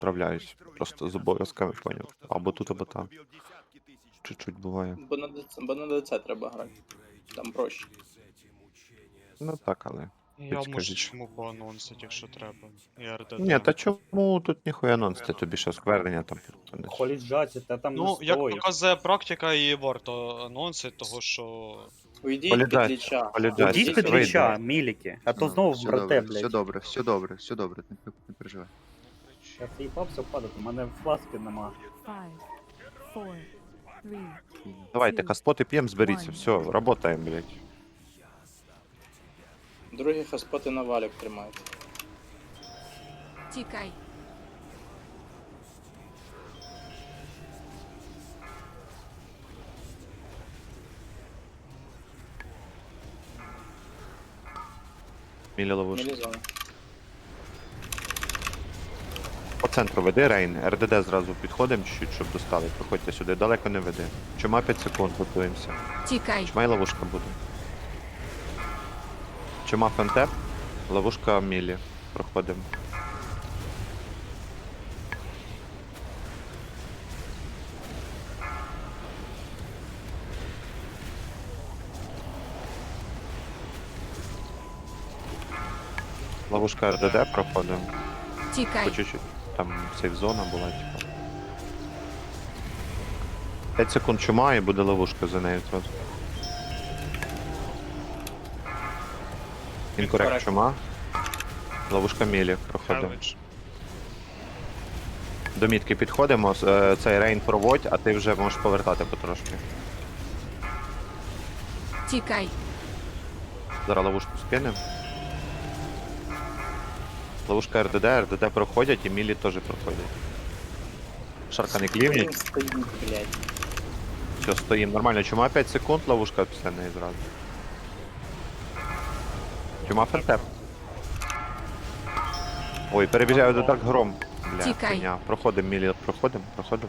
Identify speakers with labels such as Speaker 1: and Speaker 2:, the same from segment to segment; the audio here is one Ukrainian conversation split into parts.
Speaker 1: Справляюсь. Просто з обов'язками, поняв. Або тут, або там. Чуть-чуть буває.
Speaker 2: Бо на ДЦ треба грати. Там проще.
Speaker 1: Ну так, але.
Speaker 3: Я можу
Speaker 1: Підскажіть.
Speaker 3: чому поанонсити, якщо треба. І
Speaker 1: Ні,
Speaker 3: РДД.
Speaker 1: та чому тут ніхуя анонсити, тобі ще сквернення там підходиш.
Speaker 4: Холіджаті, та там не
Speaker 3: Ну, як
Speaker 4: стоїть.
Speaker 3: показує практика, і варто анонсити, того що.
Speaker 2: Уйдіть під
Speaker 1: Полідать,
Speaker 2: ліча.
Speaker 1: полідать.
Speaker 4: Ідіть під
Speaker 1: вийде.
Speaker 4: ліча, міліки, а то
Speaker 5: Ну,
Speaker 4: знову
Speaker 5: все
Speaker 4: брате,
Speaker 5: добре,
Speaker 4: блядь.
Speaker 5: все добре, все добре, все добре, не переживай.
Speaker 4: Я заїбався впадати, у мене фласки нема.
Speaker 6: 5, 4, 3,
Speaker 1: Давайте, каспоти п'єм, зберіться. Все, работаємо, блядь.
Speaker 2: Другі хаспоти на валік тримають.
Speaker 6: тікай.
Speaker 1: Мілі ловушки.
Speaker 2: Мілізона.
Speaker 1: По центру веди Рейн, РДД зразу підходимо чуть-чуть, щоб достали. Проходьте сюди, далеко не веди. Чума 5 секунд, готуємося.
Speaker 6: Тікай.
Speaker 1: Чума і ловушка буде. Чума фентеп, ловушка Мілі. Проходимо. Ловушка РДД проходимо. По
Speaker 6: Тікай.
Speaker 1: чуть-чуть. Там сейф-зона була, типа. 5 секунд чума і буде ловушка за нею одразу. Інкорект чума. Ловушка Мілі. Проходимо.
Speaker 3: Хевич.
Speaker 1: До мітки підходимо, цей рейн проводь, а ти вже можеш повертати потрошки.
Speaker 6: Тікай.
Speaker 1: Зараз ловушку скинемо. Ловушка РДД проходять і Мілі теж проходять. Шарка не клівніть.
Speaker 2: Він стоїть, блядь.
Speaker 1: Все, стоїмо. Нормально, чума 5 секунд, ловушка після неї зразу. Чума фентеп. Ой, перебіжаю до так гром. Бля,
Speaker 6: Тікай.
Speaker 1: хуйня. Проходимо, Мілі, проходимо.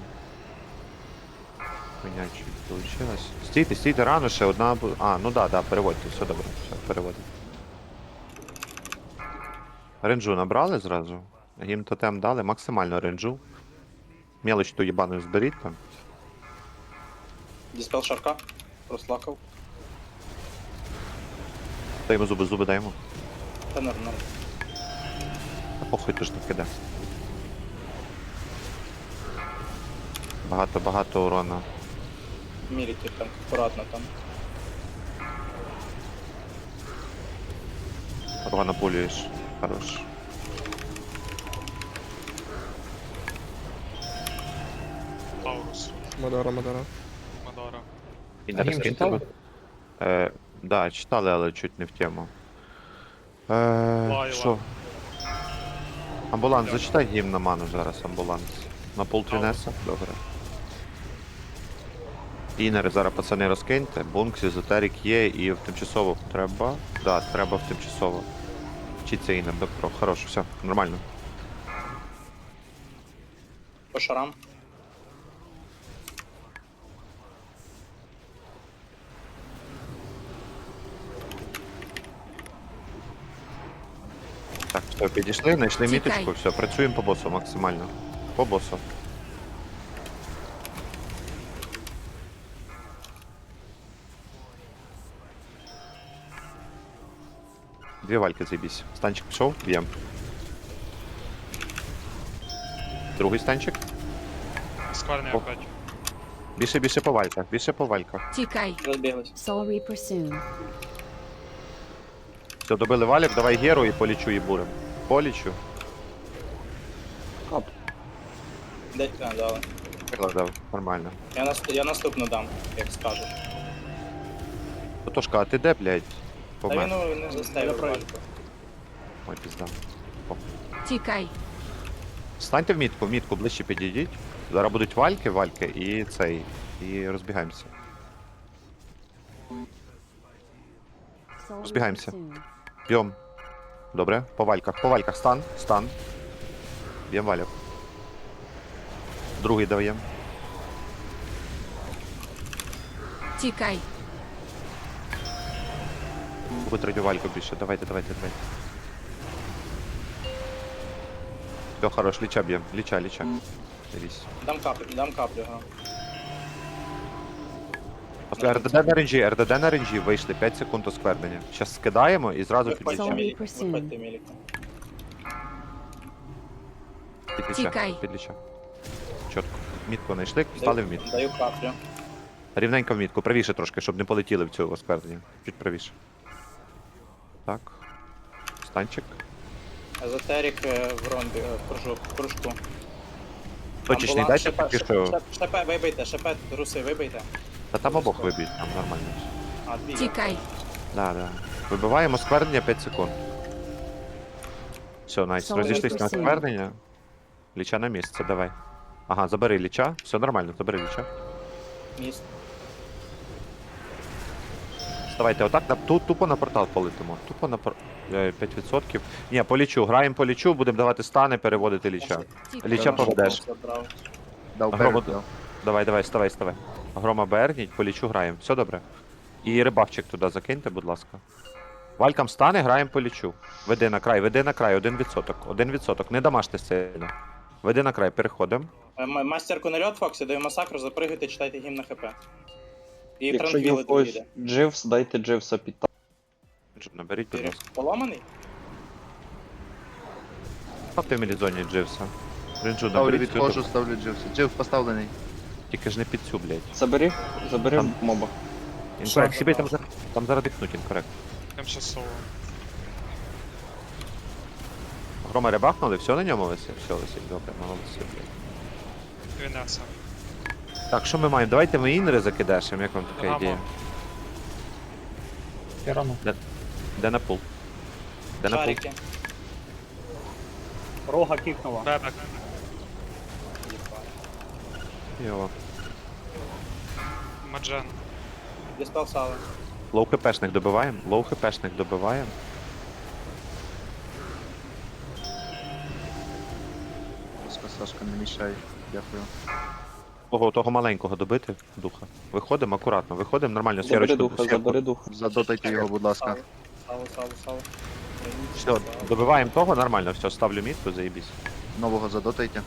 Speaker 1: Хуйня чуть получилась. Стійте, рано ще одна буде. А, ну да, переводьте, все добре, все, переводимо. Ренджу набрали зразу. Їм тотем дали, максимально ренджу. Мелочь ту єбану зберіть там.
Speaker 2: Діспел шарка. Розлакав.
Speaker 1: Даємо зуби даємо.
Speaker 2: Та норм.
Speaker 1: А похуй ти ж так іде. Багато урона.
Speaker 2: Міліки там, акуратно там.
Speaker 1: Урона пулюєш. Хорош.
Speaker 3: Таурус.
Speaker 7: Мадара.
Speaker 3: Мадара.
Speaker 1: І не розкиньте. Да, читали, але чуть не в тему. Що? Амбуланс, зачитай гімн на ману зараз, амбуланс. На пол трінеса? Добре. Інери зараз, пацани, розкиньте. Бункс, езотерик є і в тимчасово треба. Да, треба в тимчасово. Вчиться інер, доктор. Хорош, все, нормально.
Speaker 2: По шарам.
Speaker 1: Так, все, підійшли, знайшли
Speaker 6: Тікай.
Speaker 1: міточку, все, працюємо по босу максимально. По босу. Дві вальки заебісь. Станчик пішов, б'єм. Другий станчик.
Speaker 3: Скверний
Speaker 1: О.
Speaker 3: опять.
Speaker 1: Більше по вальках.
Speaker 6: Тікай.
Speaker 2: Розбіглись.
Speaker 6: Soul Reaper soon.
Speaker 1: Все, добили валік, давай геру і полічу і бурем. Полічу.
Speaker 2: Де дали.
Speaker 1: Прикладав, нормально.
Speaker 2: Я наступну дам, як скажеш.
Speaker 1: Тотошка, а ти де, блядь?
Speaker 2: Та
Speaker 1: Помер.
Speaker 2: він не заставив вальку.
Speaker 1: Ой, пізда.
Speaker 6: Тікай.
Speaker 1: Станьте в мітку, ближче підійдіть. Зараз будуть вальки і цей. І розбігаємося.
Speaker 6: Soul
Speaker 1: Розбігаємося.
Speaker 6: Reaper soon.
Speaker 1: Б'єм. Добре, по вальках, стан. Б'єм валік. Другий даємо.
Speaker 6: Тікай.
Speaker 1: Ви третю вальку більше, давайте. Все, хорош, ліча б'єм. Ліча. Дивись.
Speaker 2: Дам каплю, ага.
Speaker 1: РДД на ренджі, вийшли 5 секунд осквернення. Щас скидаємо і зразу
Speaker 2: Виходьте
Speaker 1: підліча.
Speaker 6: Sorry.
Speaker 2: мілік, виходьте мілік.
Speaker 6: Тікай.
Speaker 1: Підліча. Чітко. Мітку знайшли, стали в мітку.
Speaker 2: Даю каплю.
Speaker 1: Рівненько в мітку, правіше трошки, щоб не полетіли в цю осквернення. Чуть правіше. Так. Станчик.
Speaker 2: Езотерік в ромбі, в кружку.
Speaker 1: Точечний дайте поки що.
Speaker 2: Шепе, вибийте, шепе, руси, вибийте.
Speaker 1: Та там обох виб'ють, там нормально.
Speaker 2: А, дві. є.
Speaker 6: Тікай.
Speaker 1: Да. Вибиваємо осквернення 5 секунд. Все, найс.
Speaker 6: Sorry,
Speaker 1: Розійшлись на
Speaker 6: Christine.
Speaker 1: осквернення. Ліча на місце, давай. Ага, забери ліча. Все нормально, забери ліча.
Speaker 2: Міст.
Speaker 1: Вставайте, отак тупо на портал полетимо. Тупо на 5%. Ні, по лічу, будемо давати стани, переводити ліча.
Speaker 6: Тікай.
Speaker 1: Ліча поведеш.
Speaker 2: Забрав.
Speaker 5: Дав
Speaker 1: Грома-
Speaker 5: перед, дав.
Speaker 1: Давай, ставай. Грома берніть, по лічу граємо. Все добре. І рибавчик туди закиньте, будь ласка. Валькам стане, граємо по лічу. Веди на край, 1%. 1%. Не дамажте сильно. Веди на край, переходимо.
Speaker 2: Мастерку на льот, Фоксі, даю масакру, запригуйте, читайте гімн на ХП. І
Speaker 7: Якщо є
Speaker 2: транквіли
Speaker 7: в когось
Speaker 2: доїде.
Speaker 7: Дживс, дайте Дживса під
Speaker 1: Наберіть, будь ласка.
Speaker 2: Поломаний?
Speaker 1: Ставте в мілізоні Дживса. Ринджу
Speaker 5: Ставлю,
Speaker 1: наберіть,
Speaker 5: відходжу, ставлю Дживс. Дживс поставлений.
Speaker 1: тільки ж не під цю, блядь.
Speaker 7: Забери
Speaker 1: Там.
Speaker 7: моба.
Speaker 1: Інкорект, себе там зараз дихнуть, інкорект.
Speaker 3: Тимчасово.
Speaker 1: Грома рибахнули, все на ньому висить? Все висить, добре, молодці, блядь.
Speaker 3: Вінеса.
Speaker 1: Так, що ми маємо? Давайте ми інри закидашемо, як вам така
Speaker 3: Гамо.
Speaker 1: ідея?
Speaker 4: Тирану.
Speaker 1: Де на пул? Де на пул?
Speaker 2: Шарики.
Speaker 4: Рога кікнула.
Speaker 3: Бебек.
Speaker 1: Йо.
Speaker 3: Маджен.
Speaker 2: Діспел сали.
Speaker 1: Лоу хпшних добиваємо,
Speaker 5: Ласка, Сашка, не мішай. Дякую.
Speaker 1: Того маленького добити, духа. Виходимо акуратно, виходимо нормально,
Speaker 7: Забери
Speaker 1: сферочку.
Speaker 7: духа, забери духа.
Speaker 5: Задотайте його, будь ласка.
Speaker 2: Сало.
Speaker 1: Все, добиваємо того, нормально, все, ставлю мітку, заєбісь.
Speaker 5: Нового задотайте.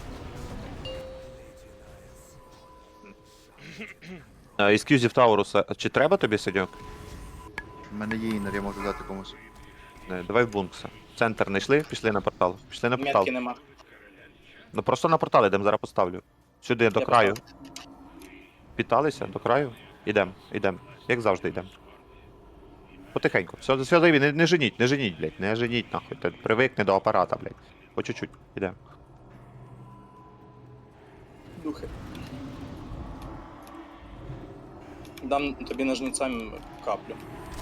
Speaker 1: Ескюзів Тауруса, чи треба тобі сидьок?
Speaker 5: У мене є інер, я можу дати комусь.
Speaker 1: Давай в бункса. Центр не йшли, пішли на портал. Пішли на портал.
Speaker 2: Метки нема.
Speaker 1: Ну просто на портал ідемо, зараз поставлю. Сюди, до
Speaker 2: Я
Speaker 1: краю.
Speaker 2: поставлю.
Speaker 1: Питалися, до краю. Ідем. Як завжди йдемо. Потихеньку. Все зайві, не женіть, блядь. Не женіть, нахуй. Ти привикне до апарата, блядь. По чуть-чуть, ідемо.
Speaker 2: Духи. Дам тобі ножницям каплю.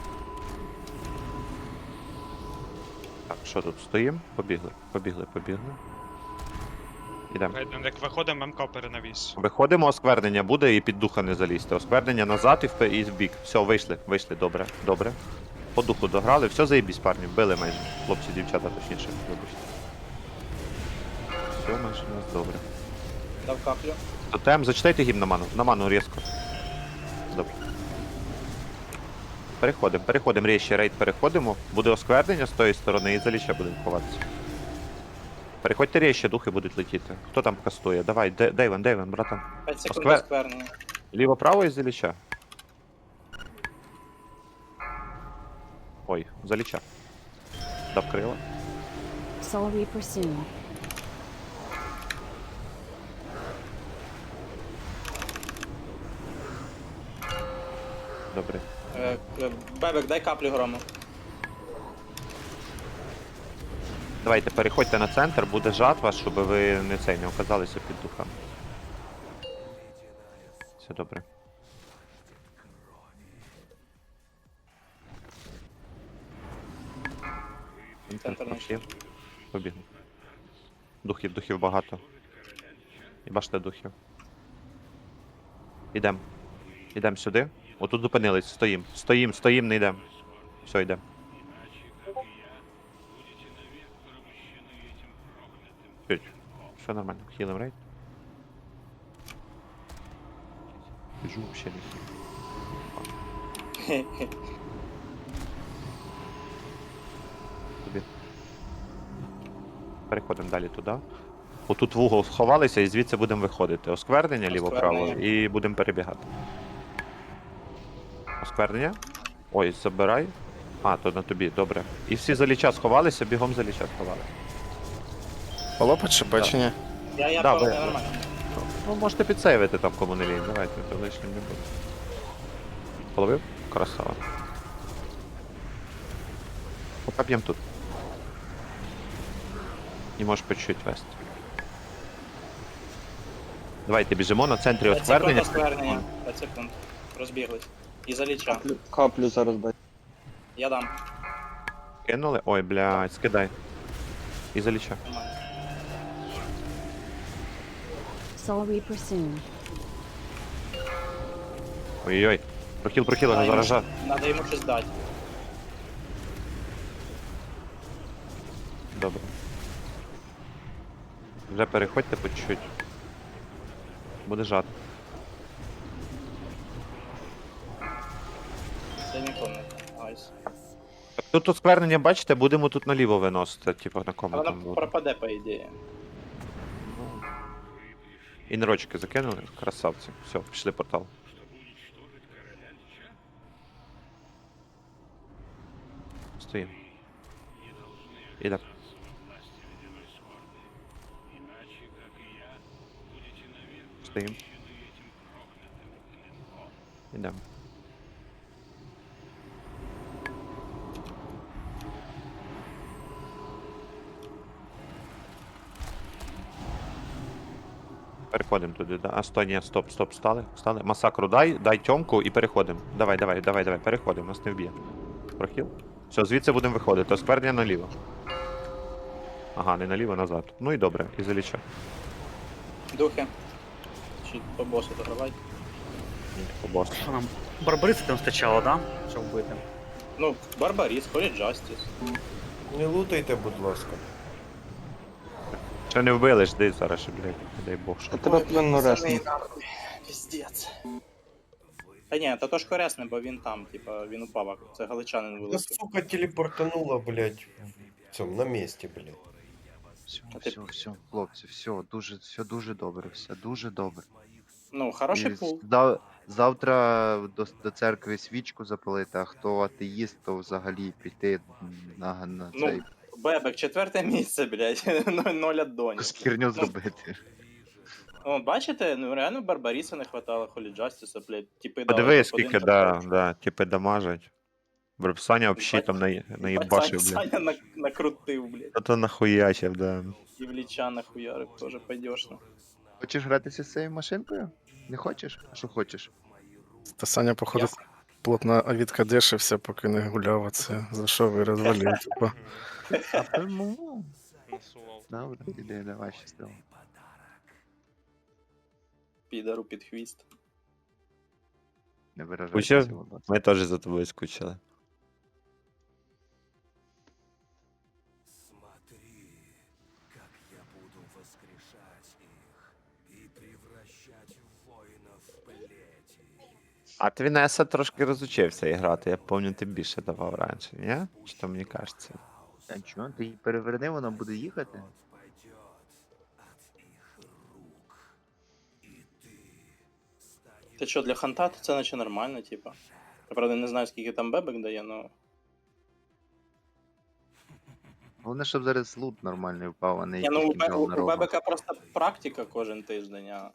Speaker 1: Так, що тут стоїмо? Побігли. Ідемо.
Speaker 3: Як виходимо, МК перенавіс.
Speaker 1: Виходимо, осквернення буде і під духа не залізти. Осквернення назад і в бік. Все, вийшли, добре. По духу дограли, все заєбісь, парні, били майже. Хлопці, дівчата, точніше, вибачте. Все майже у нас добре.
Speaker 2: Дав каплю.
Speaker 1: Тотем, зачитайте гімн на ману різко. Добре. Переходимо, рейд переходимо. Буде осквернення з тої сторони і за ліча будемо ховатися. Переходьте рейще, духи будуть летіти. Хто там кастує? Давай, Дейвен, братан.
Speaker 2: 5 секунд
Speaker 1: Осквер-
Speaker 2: осквернення.
Speaker 1: Ліво-право і за ліча. Ой, за ліча. Дав крила.
Speaker 6: Soul Reaper soon.
Speaker 1: Добре.
Speaker 2: Бебек, дай каплю грому.
Speaker 1: Давайте переходьте на центр, буде жатва, щоб ви не оказалися під духами. Все добре.
Speaker 2: Центр
Speaker 1: Духів. Побігли. Духів багато. І бачите духів. Ідем сюди. Отут зупинились, стоїм, не йдем. Все, йдем. Чуть. Все нормально, хілим рейд. Біжу вообще не хілим. Тобі. Переходимо далі туди. Отут в угол сховалися і звідси будемо виходити. Осквернення ліво-право
Speaker 2: Осквернення.
Speaker 1: і будемо перебігати. Осквернення. Ой, забирай. А, то на тобі, добре. І всі за ліча сховалися, бігом за ліча сховали.
Speaker 8: Полопать ШП чи ні?
Speaker 2: Я
Speaker 1: Да,
Speaker 2: да,
Speaker 1: ви-
Speaker 2: нормально.
Speaker 1: Ну, можете підсейвити там, кому не лінь. Давайте, то лишнім не буде. Половив? Красава. Пока б'єм тут. І можеш по чуть вести. Давайте біжимо на центрі
Speaker 2: 5 секунд
Speaker 1: осквернення.
Speaker 2: осквернення. 5 секунд. Розбіглись. І за ліча.
Speaker 7: Каплю зараз дай.
Speaker 2: Я дам.
Speaker 1: Кинули? Ой, блядь, скидай. І заліча.
Speaker 2: Нормально.
Speaker 6: Soul Reaper soon.
Speaker 1: Ой-ой-ой. Прохіл,
Speaker 2: Надо йому
Speaker 1: заража.
Speaker 2: щось- Надо йому щось дати.
Speaker 1: Добре. Вже переходьте по чуть-чуть. Буде жати.
Speaker 2: Це нікому не айс.
Speaker 1: Тут осквернення, бачите, будемо тут наліво виносити, типу на
Speaker 2: А
Speaker 1: кому
Speaker 2: вона
Speaker 1: там буде.
Speaker 2: пропаде, по ідеї.
Speaker 1: І нерочки закинули, красавці. Все, пішли портал. Стоїмо. Іде. Стоїм. Ідемо. Переходимо туди, да. А сто, ні, стоп, стали. Масакру дай тьомку і переходимо. Давай, переходимо, нас не вб'є. Прохіл. Все, звідси будемо виходити. Осквернення наліво. Ага, не наліво, назад. Ну і добре, і заліча.
Speaker 2: Духи. Чи по босу догравай.
Speaker 1: Ні, по босу.
Speaker 4: Що нам? Барбариси там стачало, да? Щоб вбити.
Speaker 2: Ну, Барбаріс, Холі Джастіс.
Speaker 9: Не лутайте, будь ласка.
Speaker 1: Ще не вбили, жди зараз, ще, блядь, не дай Бог, що.
Speaker 7: Я тебе плинно ресну.
Speaker 2: Піздець. Та ні, то ж корисне, бо він там, типа, він упав, це галичанин
Speaker 9: Да
Speaker 2: вилетів.
Speaker 9: сука телепортанула, блядь, в цьому, на месте, блядь.
Speaker 5: Все, хлопці, все дуже добре, все дуже добре.
Speaker 2: Ну, хороший
Speaker 5: І
Speaker 2: пул.
Speaker 5: Завтра до церкви свічку запалити, а хто атеїст, то взагалі піти на
Speaker 2: Ну,
Speaker 5: цей
Speaker 2: Бебек, 4 місце, блядь, 0 аддонів.
Speaker 5: херню зробити.
Speaker 2: О, бачите, ну реально Барбаріса не хватало, Холі Джастіса, блядь, типи дали.
Speaker 1: Подивись,
Speaker 2: топ-1,
Speaker 1: скільки,
Speaker 2: топ-5.
Speaker 1: да, типи дамажать. Саня взагалі там наїбашив, блядь.
Speaker 2: Саня накрутив, блядь.
Speaker 1: А то нахуячив, да.
Speaker 2: І в ліча нахуярив, теж пойдешно.
Speaker 5: Хочеш гратися з цією машинкою? Не хочеш? А що хочеш?
Speaker 8: Та Саня, походу, плотно відкадешився, поки не гуляв, а це за що ви розвалив, типа.
Speaker 5: А тому. Добре, іди, давай щасливо.
Speaker 2: Підару під хвіст.
Speaker 5: Не виражайся.
Speaker 1: Учив?
Speaker 5: будь ласка.
Speaker 1: Ми теж за тобою скучили. А Твінеса трошки розучився грати, я пам'ятаю, ти більше давав раніше, ні? Чи то мені кажеться?
Speaker 5: Та чого? Ти її переверни, вона буде їхати?
Speaker 2: Ти що, для ханта то це наче нормально, типа. Я правда не знаю, скільки там бебек дає, но.
Speaker 5: Головне, щоб зараз лут нормальний впав, а не
Speaker 2: Ні, ну
Speaker 5: якийсь кінжал на
Speaker 2: у
Speaker 5: рогу.
Speaker 2: бебека просто практика кожен тиждень, а.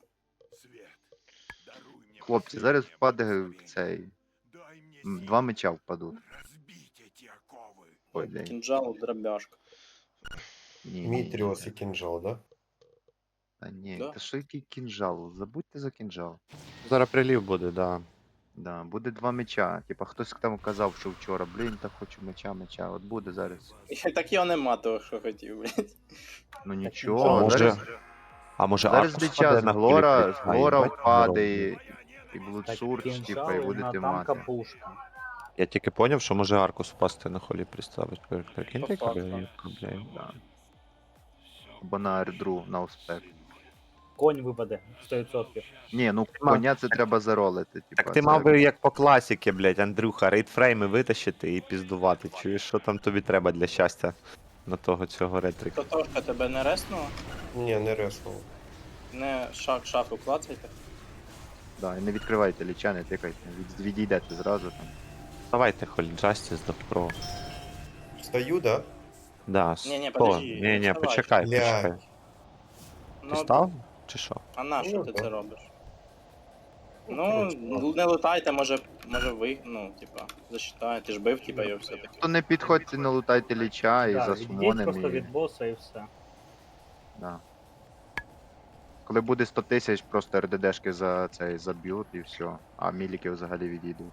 Speaker 5: Хлопці, зараз впаде цей. 2 меча впадуть. Ой, день.
Speaker 2: Кінжал, дробяшка.
Speaker 5: Ні,
Speaker 9: Мітріос і кінжал, да?
Speaker 5: Та ні,
Speaker 2: Да.
Speaker 5: та що який кінжал? Забудьте за кінжал.
Speaker 1: Зараз прилів буде, да.
Speaker 5: Да, буде 2 меча. Типа хтось там казав, що вчора, блін, так хочу меча. От буде зараз.
Speaker 2: Так його нема того, що хотів, блядь.
Speaker 5: Ну
Speaker 1: А
Speaker 5: нічого,
Speaker 1: може,
Speaker 5: зараз,
Speaker 1: а може
Speaker 5: зараз
Speaker 1: Аркус
Speaker 5: меча
Speaker 1: впаде
Speaker 5: з
Speaker 1: на
Speaker 5: Глора,
Speaker 1: хвилі?
Speaker 5: з
Speaker 1: А,
Speaker 5: Глора
Speaker 1: їбать,
Speaker 5: впаде
Speaker 1: здорово.
Speaker 5: і
Speaker 4: Так
Speaker 5: Блудсурж, типа, і
Speaker 4: кінжали
Speaker 5: будете
Speaker 4: на танка
Speaker 5: мати.
Speaker 4: пушка.
Speaker 1: Я тільки поняв, що може Аркус впасти на холі приставить. Прикиньте,
Speaker 2: По факту.
Speaker 1: яка, блядь.
Speaker 5: Да. Або на ердру, на успех.
Speaker 4: Конь випаде 100%.
Speaker 5: Ні, ну
Speaker 1: мав-
Speaker 5: коня це треба заролити. Типа,
Speaker 1: Так ти
Speaker 5: це-
Speaker 1: мав би як по класіки, блядь, Андрюха, рейдфрейми витащити і піздувати. Чуєш, що там тобі треба для щастя на того цього ретрика.
Speaker 2: Тотошка тебе не реснула?
Speaker 9: Ні, не реснув.
Speaker 2: Не шаху клацайте.
Speaker 5: Да, і не відкривайте ліча, не тикайте, відійдете зразу там.
Speaker 1: Давайте Холі Джастіс до про.
Speaker 9: Встаю, да?
Speaker 1: Да,
Speaker 2: Ні-ні,
Speaker 1: сто.
Speaker 2: подожди,
Speaker 1: Ні,
Speaker 2: не
Speaker 1: ні,
Speaker 2: вставай.
Speaker 1: почекай, почекай.
Speaker 9: Блядь.
Speaker 1: Ти
Speaker 2: Ну,
Speaker 1: став? Чи що?
Speaker 2: а на що
Speaker 9: Ну,
Speaker 2: ти
Speaker 9: так.
Speaker 2: це робиш?
Speaker 9: Ну,
Speaker 2: Ну,
Speaker 9: коротше,
Speaker 2: не летайте, може ви, ну, типа, засчитає, ти ж бив, типа, його все-таки.
Speaker 5: То не підходьте, не лутайте ліча і
Speaker 4: Да,
Speaker 5: за
Speaker 4: відійдіть
Speaker 5: сумонем
Speaker 4: просто
Speaker 5: і...
Speaker 4: від боса і все.
Speaker 5: Да. Коли буде 100 тисяч, просто РДДшки за цей заб'ють і все. А міліки взагалі відійдуть.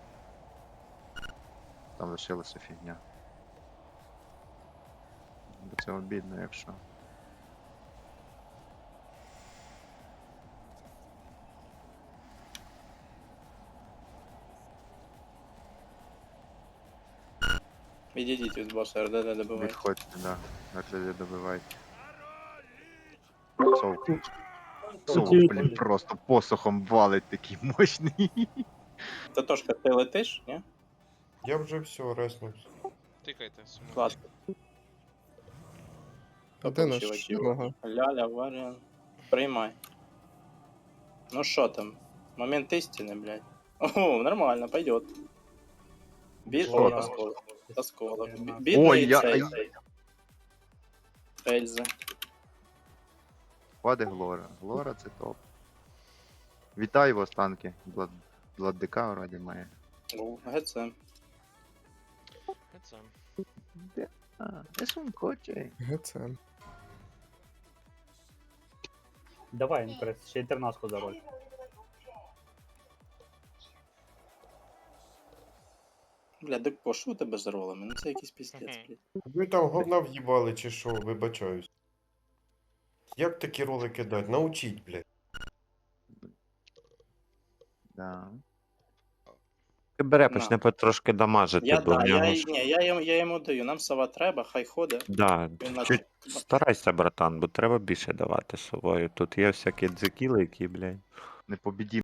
Speaker 5: Там лишилася фігня. Бо це обідно, якщо.
Speaker 2: Відійдіть від боса, РДД добивайте.
Speaker 5: Відходьте, да. РДД добивайте. Совк. Совк, блін, просто посохом валить такий мощний.
Speaker 2: Тотошка, ти летиш, ні?
Speaker 9: Я вже все, реснувся.
Speaker 3: Тикайте.
Speaker 2: Клас.
Speaker 8: А де наш?
Speaker 2: Почувачів.
Speaker 8: Ага.
Speaker 2: Ляля, варіан. Приймай. Ну що там? Момент істини, блядь. О, нормально, пойдет.
Speaker 5: Що
Speaker 2: О,
Speaker 5: там?
Speaker 2: осколок. Осколок.
Speaker 4: Ой,
Speaker 2: Бідний
Speaker 5: я-
Speaker 2: цей. Ельзи.
Speaker 5: Паде Глора. Глора це топ. Вітаю вас, танки. Владика вроді має.
Speaker 2: ГЦ.
Speaker 5: А, це сумкоче.
Speaker 8: ГЦ.
Speaker 4: Давай, інтерес, ще інтернатку за роль.
Speaker 2: Бля, Декпо, що у тебе з ролами? Ну це якийсь піздець, блядь.
Speaker 9: Ви там говна в'їбали чи що, вибачаюсь. Як такі роли кидать? Научіть, блядь.
Speaker 5: Да.
Speaker 1: Бере,
Speaker 2: На.
Speaker 1: почне потрошки дамажити,
Speaker 2: Я,
Speaker 1: бо в
Speaker 2: да,
Speaker 1: нього
Speaker 2: я,
Speaker 1: ж...
Speaker 2: ні, я йому даю, нам сова треба, хай ходить.
Speaker 1: Да,
Speaker 2: Він наче-
Speaker 1: чуть старайся, братан, бо треба більше давати совою. Тут є всякі дзекіли, які, блядь.
Speaker 5: Не побіді